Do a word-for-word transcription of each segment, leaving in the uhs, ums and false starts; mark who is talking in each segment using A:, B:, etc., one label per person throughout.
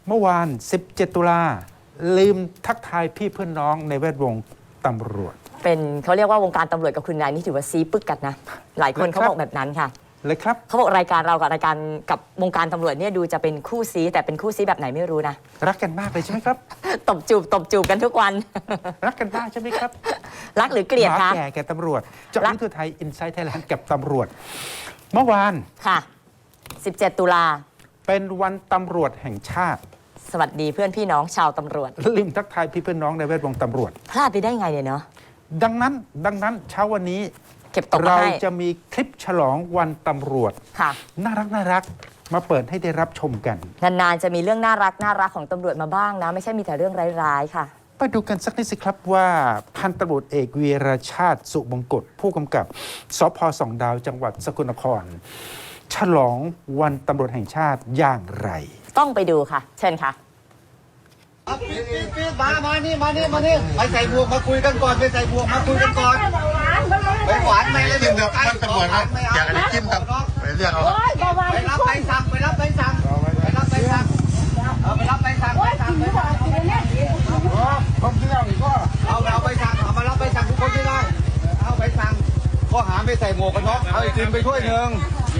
A: เมื่อวานสิบเจ็ดตุลาลืมทักทายพี่เพื่อนน้องในแวดวงตำรวจ
B: เป็นเขาเรียกว่าวงการตำรวจกับคุณนายนี่ถือว่าซีปึกกันนะหลายคนเขาบอกแบบนั้นค่ะ
A: เลยครับ
B: เขาบอกรายการเรากับรายการกับวงการตำรวจเนี่ยดูจะเป็นคู่ซีแต่เป็นคู่ซีแบบไหนไม่รู้นะ
A: รักกันมากเลยใช่ไหมครับ
B: ตบจูบตบจูบกันทุกวัน
A: รักกันมากใช่ไหมครับ
B: รักหรือเกลียดคะ
A: แก่แก่ตำรวจเจาะลึกทั่วไทยอินไซต์ไทยแลนด์กับตำรวจเมื่อวาน
B: ค่ะสิบเจ็ดตุลา
A: เป็นวันตำรวจแห่งชาติ
B: สวัสดีเพื่อนพี่น้องชาวตำรวจ
A: ลืมทักทายพี่เพื่อนน้องในแวดวงตำรวจ
B: พลาดไปได้ไงเนี่ยเนาะ
A: ดังนั้นดังนั้นเช้าวันนี้
B: เก็บตก
A: เราจะมีคลิปฉลองวันตำรวจ
B: ค่ะ
A: น่ารักน่ารักมาเปิดให้ได้รับชมกัน
B: นานๆจะมีเรื่องน่ารักน่ารักของตำรวจมาบ้างนะไม่ใช่มีแต่เรื่องร้ายๆค่ะ
A: ไปดูกันสักนิดสิครับว่าพันตำรวจเอกวีรชาติสุบงกตผู้กำกับสพสองดาวจังหวัดสกลนครฉลองวันตำรวจแห่งชาติอย่างไร
B: ต้องไปดูค่ะเชิญค่ะ
C: มามานี่มานี่มานี่ไปใส่บวกมาคุยกันก่อนไปใส่บวกมาคุยกันก่อนไปหวานไม่เลย
D: จิ้มกับท่านตำรวจครับอยากอะไรจิ้มครับไปเรียกเอา
C: ไปรับใบสั่งไปรับใบสั่งไปรับใบสั่งเอาไปรับใบสั่งไปสั่งไปสั่งผมที่เราอีกก็เอาเอาใบสั่งเอามารับใบสั่งทุกคนที่ได้เอาใบสั่งข้อหาไม่ใส่หมวกกันน็อกเอาไอติมไปถ้วยหนึ่ง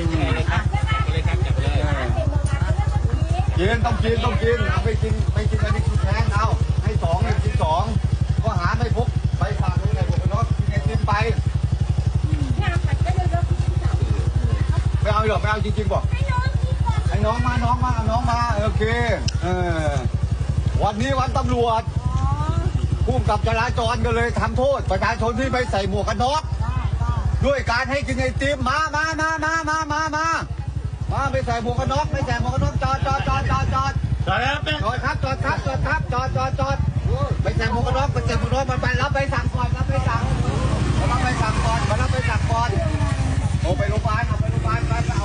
C: กินต้องกินต้องกินเอาไปกินไปกินอันนี้กินแทนเอาให้สองให้กินสองข้อหาไม่พกใบสั่งไม่ใส่หมวกกันน็อกกินไอติมไปไม่เอาหรอกไม่เอาจริงๆบอกให้น้องมาน้องมาน้องมาโอเคเออวันนี้วันตำรวจผู้กำกับจราจรก็เลยทำโทษประชาชนที่ไม่ใส่หมวกกันน็อกด้วยการให้กินไอติมมามามามามามามามาไม่ใส่หมวกกันน็อกไม่ใส่หมวกกันน็อกจอดจอดจอดจอดจอดจอดจอดครับจอดครับจอดครับจอดจอดจอดไม่ใส่หมวกกันน็อกไม่ใส่หมวกกันน็อกมันไปรับใบสั่งก่อนรับใบสั่งมารับใบสั่งก่อนมารับใบสั่งก่อนโอ้ไปโรงพยาบาลเอาไปโรงพยาบาลไปเอา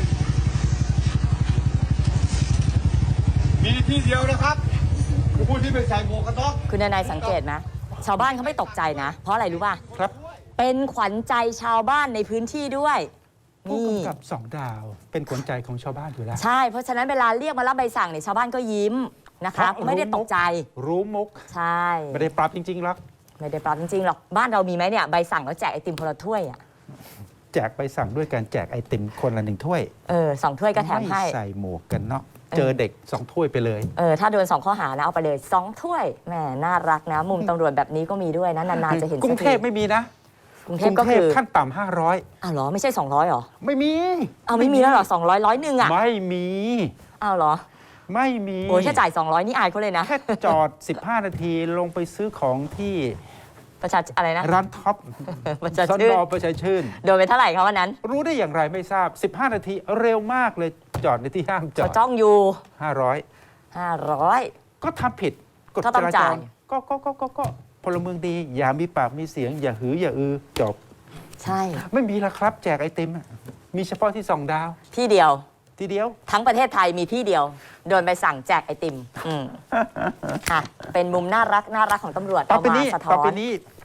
C: มีที่เดียวนะครับคือผู้ที่ไม่ใส่หมวกกันน็อก
B: คุณนายสังเกตไหมชาวบ้านเขาไม่ตกใจนะเพราะอะไรรู้ป่ะ
A: ครับ
B: เป็นขวัญใจชาวบ้านในพื้นที่ด้วย
A: ผู้กำกับสองดาวเป็นขวัญใจของชาวบ้านอยู่แล้ว
B: ใช่เพราะฉะนั้นเวลาเรียกมารับใบสั่งเนี่ยชาวบ้านก็ยิ้มนะคะไม่ได้ตกใจ
A: รู้มุก
B: ใช่
A: ไม่ได้ปรับจริงๆหรอก
B: ไม่ได้ปรับจริงๆหรอกบ้านเรามีไหมเนี่ยใบสั่งแล้วแจกไอติมคนละถ้วยอ่ะ
A: แจกใบสั่งด้วยการแจกไอติมคนละหนึ่งถ้วย
B: เออสองถ้วยก็แถมให้
A: ไม่ใส่หมวกกันเนาะเจอเด็กสองถ้วยไปเลย
B: เออถ้าโดนสองข้อหานะเอาไปเลยสองถ้วยแหมน่ารักนะมุมตำรวจแบบนี้ก็มีด้วยนะนานๆจะเห็น
A: กรุงเทพไม่มีนะ
B: กรุงเทพก็คือ
A: ขั้นต่ำห้าร้อย
B: อ้าวเหรอไม่ใช่สองร้อยหรอ
A: ไม่มี
B: เอาไม่มีแล้วหรอสองร้อยร้อยหนึ่งอ่ะ
A: ไม่มี
B: อ้าวเหรอ
A: ไม่มี
B: โอ้ยแค่จ่ายสองร้อยนี่อายเขาเลยนะ
A: แค่จอดสิบห้านาทีลงไปซื้อของที่
B: ประชาอะไรนะ
A: ร้านท็อป
B: ประชาชื่น
A: ประชาชื่น
B: โดนไปเท่าไหร่ครับวันนั้น
A: รู้ได้อย่างไรไม่ทราบสิบห้านาทีเร็วมากเลยจอดในที่ห้ามจอด
B: จ้องอยู่
A: ห้าร้อย
B: ห้าร้อย
A: ก็ทำผิดกฎจราจรก็ก็ก็ก็ก็พลเมืองดีอย่ามีปากมีเสียงอย่าหืออย่าอือจบ
B: ใช่
A: ไม่มีละครับแจกไอติมมีเฉพาะที่สองดาว
B: ที่เดียว
A: ที่เดียว
B: ทั้งประเทศไทยมีที่เดียวโดนไปสั่งแจกไอติมอืมค่ะเป็นมุมน่ารักน่ารักของตำรวจ
A: ต่อไปนี้
B: เอามาสะท้อน
A: ต่อไปนี้